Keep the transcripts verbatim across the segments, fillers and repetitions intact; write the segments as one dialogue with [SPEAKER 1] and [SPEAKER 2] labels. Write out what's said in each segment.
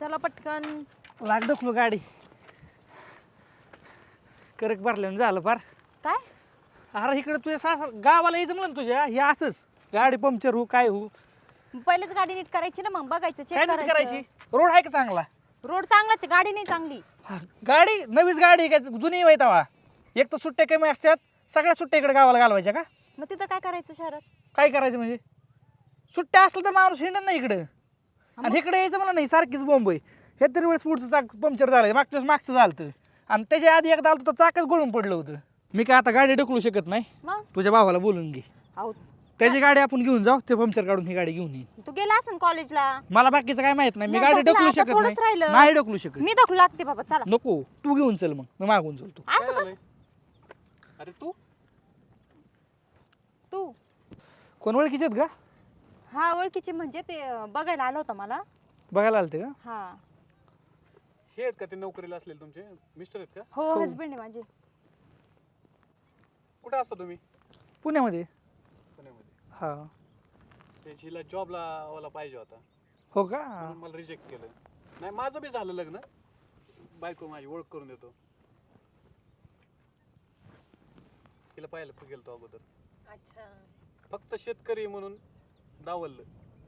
[SPEAKER 1] चला पटकन.
[SPEAKER 2] लाग ढकलू गाडी. करक भरल्यानं झालं फार.
[SPEAKER 1] काय
[SPEAKER 2] अरे इकडे तुझ्या सास गावाला यायचं म्हणलं ना तुझ्या हे असंच गाडी पंक्चर हो काय हो.
[SPEAKER 1] पहिलेच गाडी नीट करायची ना, मग बघायचं चेक
[SPEAKER 2] काय नीट करायची.
[SPEAKER 1] करायचं.
[SPEAKER 2] रोड आहे का चांगला.
[SPEAKER 1] रोड चांगलाच आहे, गाडी नाही चांगली.
[SPEAKER 2] हा, गाडी नवीच गाडी आहे काय जुनी आहे तवा. एक तर सुट्ट्या कमी असतात सगळ्या सुट्ट्या इकडे गावाला घालवायच्या का.
[SPEAKER 1] मग तिथं काय करायचं शहरात.
[SPEAKER 2] काय करायचं म्हणजे सुट्ट्या असलं तर माणूस हिंडत नाही इकडं. आणि इकडे यायचं मला नाही सारखीच बॉम्ब आहे. हे तरी वेळेस पुढचं चाक पंक्चर झालं मागच्या वेळेस मागचं झालं होतं आणि त्याच्या आधी एकदा आलं तर चाकच गळून पडलं होतं. मी काय आता गाडी ढकलू शकत नाही.
[SPEAKER 1] मग
[SPEAKER 2] तुझ्या भावाला बोलून घे
[SPEAKER 1] अहो
[SPEAKER 2] त्याची गाडी आपण घेऊन जाऊ ते पंक्चर काढून ही गाडी घेऊन येईन.
[SPEAKER 1] तू गेला असेल कॉलेजला.
[SPEAKER 2] मला बाकीचं काय माहित नाही. मी
[SPEAKER 1] नाही,
[SPEAKER 2] गाडी
[SPEAKER 1] ढकला,
[SPEAKER 2] ढकलू
[SPEAKER 1] आता
[SPEAKER 2] शकत
[SPEAKER 1] थोडंच
[SPEAKER 2] नाही.
[SPEAKER 1] राहिलं.
[SPEAKER 2] नाही ढकलू शकत.
[SPEAKER 1] मी ढकलू लागते बाबा चला.
[SPEAKER 2] नको तू घेऊन चल मग मी मागून चलतो.
[SPEAKER 1] असं कसं.
[SPEAKER 3] अरे तू
[SPEAKER 1] तू
[SPEAKER 2] कोण ओळखीचे आहेत का.
[SPEAKER 1] हा ओळखीचे म्हणजे ते अं, बघायला आलं होतं मला.
[SPEAKER 2] बघायला आलते का.
[SPEAKER 1] हा
[SPEAKER 3] हे आहेत का ते नोकरीला असलेले तुमचे मिस्टर आहेत का?
[SPEAKER 1] हो हसबंड आहे माझे.
[SPEAKER 3] कुठे असता तुम्ही?
[SPEAKER 2] पुण्यामध्ये.
[SPEAKER 3] पुण्यामध्ये.
[SPEAKER 2] हा
[SPEAKER 3] त्याची हिला जॉबला वाला पाहिजे होता
[SPEAKER 2] हो का.
[SPEAKER 3] म्हणून मला रिजेक्ट केलं. नाही माझं बी झालं लग्न. बायको माझी ओळख करून देतो. तिला पाहायला गेलतो अगोदर.
[SPEAKER 1] अच्छा
[SPEAKER 3] फक्त शेतकरी म्हणून डावललं.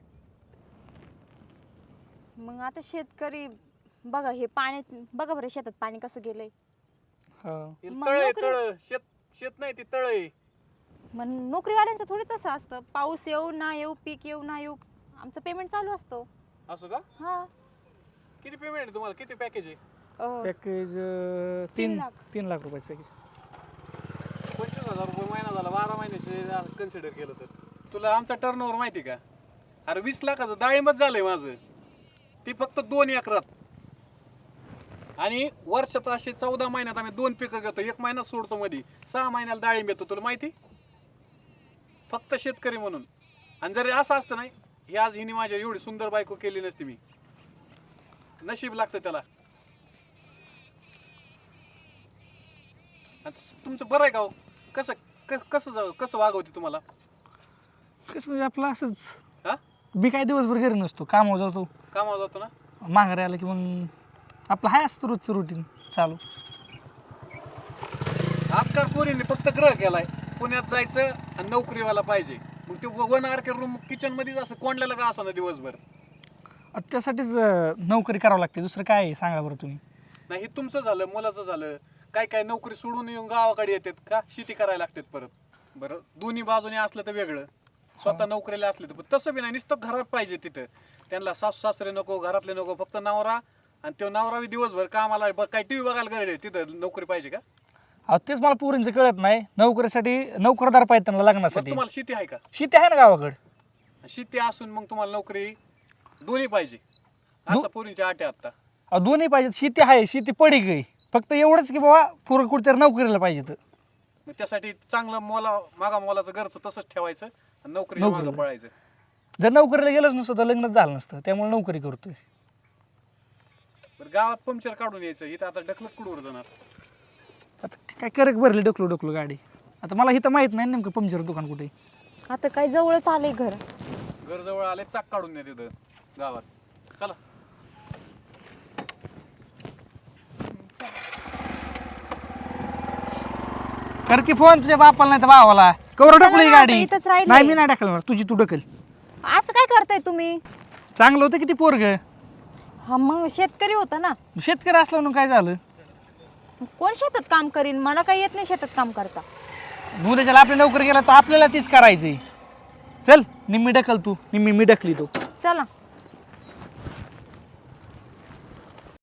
[SPEAKER 1] मग आता शेतकरी बघा हे पाणी बघा बरं शेतात पाणी कसं गेलंय.
[SPEAKER 2] हा
[SPEAKER 3] हे
[SPEAKER 1] मग
[SPEAKER 3] तळ आहे
[SPEAKER 1] नोकरी-
[SPEAKER 3] तळ. शेत शेत नाही ती तळ आहे.
[SPEAKER 1] मग नोकरीवाल्यांचं थोडी तसं असतं. पाऊस येऊ ना येऊ पीक येऊ ना येऊ आमचं पेमेंट चालू असतो.
[SPEAKER 3] असं का?
[SPEAKER 1] हा
[SPEAKER 3] किती पेमेंट आहे तुम्हाला? किती पॅकेज आहे?
[SPEAKER 1] अं,
[SPEAKER 2] पॅकेज
[SPEAKER 1] तीन
[SPEAKER 2] तीन
[SPEAKER 1] लाख.
[SPEAKER 2] तीन लाख रुपयाचं पॅकेज.
[SPEAKER 3] पंचवीस हजार रुपये महिना झाला. बारा महिन्याचे कन्सिडर केलं तर तुला आमचा टर्न ओव्हर माहिती का? अरे वीस लाखाचं डाळिंबच झालंय माझं. ती फक्त दोन एकरात. आणि वर्षात असे चौदा महिन्यात आम्ही दोन पिकं घेतो. एक महिना सोडतो मध्ये. सहा महिन्याला डाळिंब येतो. तुला माहिती. फक्त शेतकरी म्हणून. आणि जर असं असतं नाही ही आज हिने माझ्या एवढी सुंदर बायको केली नसती मी. नशीब लागतं त्याला. आणि तुमचं बरं आहे का हो? कसं क- कसं जाऊ कसं वागवते तुम्हाला?
[SPEAKER 2] कसं म्हणजे आपलं असंच.
[SPEAKER 3] हा
[SPEAKER 2] मी काय दिवसभर घरी नसतो कामावर जातो.
[SPEAKER 3] कामावर जातो ना.
[SPEAKER 2] माघारी आलं की मग आपलं हाय असतं रोजचं रुटीन चालू.
[SPEAKER 3] आजकाल पोरीने फक्त ग्रह केलाय. पुण्यात जायचं आणि नोकरीवाला पाहिजे. मग ते one R K room kitchen मध्येच असं कोंडलेलं का असं ना दिवसभर.
[SPEAKER 2] आता त्यासाठीच अं, नोकरी करावं लागते. दुसरं काय आहे सांगा बरं तुम्ही.
[SPEAKER 3] नाही हे तुमचं झालं मुलाचं झालं. काय काय नोकरी सोडून येऊन गावाकडे येतात का शेती करायला लागतात परत. बरं दोन्ही बाजूने असलं तर वेगळं. स्वतः नोकरीला असले तर पण तसं बी नाही. नुसतं घरात पाहिजे तिथं. त्यांना सासू सासरे नको घरातले नको फक्त नवरा. आणि तो नवरा बी दिवसभर कामाला ब- काय टीव्ही बघायला गरज आहे तिथं नोकरी पाहिजे का?
[SPEAKER 2] अहो तेच मला पोरींचं कळत नाही. नोकरीसाठी नोकरदार पाहिजे त्यांना
[SPEAKER 3] मग
[SPEAKER 2] लग्नासाठी.
[SPEAKER 3] तुम्हाला शेती आहे का?
[SPEAKER 2] शेती आहे ना गावाकडे.
[SPEAKER 3] शेती असून मग तुम्हाला नोकरी दोन्ही पाहिजे असं पोरींच्या आटे आता.
[SPEAKER 2] अहो दोन्ही पाहिजेत. शेती आहे शेती पडी गई. फक्त एवढंच की बाबा पोरं कुठेतरी नोकरीला पाहिजे तर.
[SPEAKER 3] मग त्यासाठी चांगलं मोला मागा मोलाचं घरचं तसंच ठेवायचं आणि नोकरीच्या मागं
[SPEAKER 2] नोकरीला.
[SPEAKER 3] पळायचं.
[SPEAKER 2] जर नोकरीला गेलंच नसतं तर लग्नच झालं नसतं. त्यामुळे नोकरी करतोय.
[SPEAKER 3] बरं गावात पंक्चर काढून यायचं. इथं आता ढकलत कुठवर जाणार?
[SPEAKER 2] आता काय करक भरली डोकलो डोकलो गाडी. आता मला इथं माहित नाही नेमकं पंक्चर दुकान कुठे आहे.
[SPEAKER 1] आता काय जवळच आलंय घर.
[SPEAKER 3] घर जवळ आले चाक काढून या तिथं गावात. चला
[SPEAKER 2] कर की फोन तुझ्या बापाला नाही तर भावाला. कवर
[SPEAKER 1] चला
[SPEAKER 2] ढकलू ही
[SPEAKER 1] ना, आता
[SPEAKER 2] गाडी.
[SPEAKER 1] इथंच राहिलंय.
[SPEAKER 2] नाही मी नाही ढकलणार. तुझी तू ढकल.
[SPEAKER 1] असं काय करताय तुम्ही.
[SPEAKER 2] चांगलं होतं किती पोरग.
[SPEAKER 1] हा मग शेतकरी होता ना.
[SPEAKER 2] शेतकरी असलं म्हणून काय झालं.
[SPEAKER 1] कोण शेतात काम करीन. मला काही येत नाही शेतात काम करता.
[SPEAKER 2] उद्याच्याला आपली नोकरी गेला तर आपल्याला तीच करायची. चल निम्मी ढकल तू निम्मी मी ढकली तो.
[SPEAKER 1] चला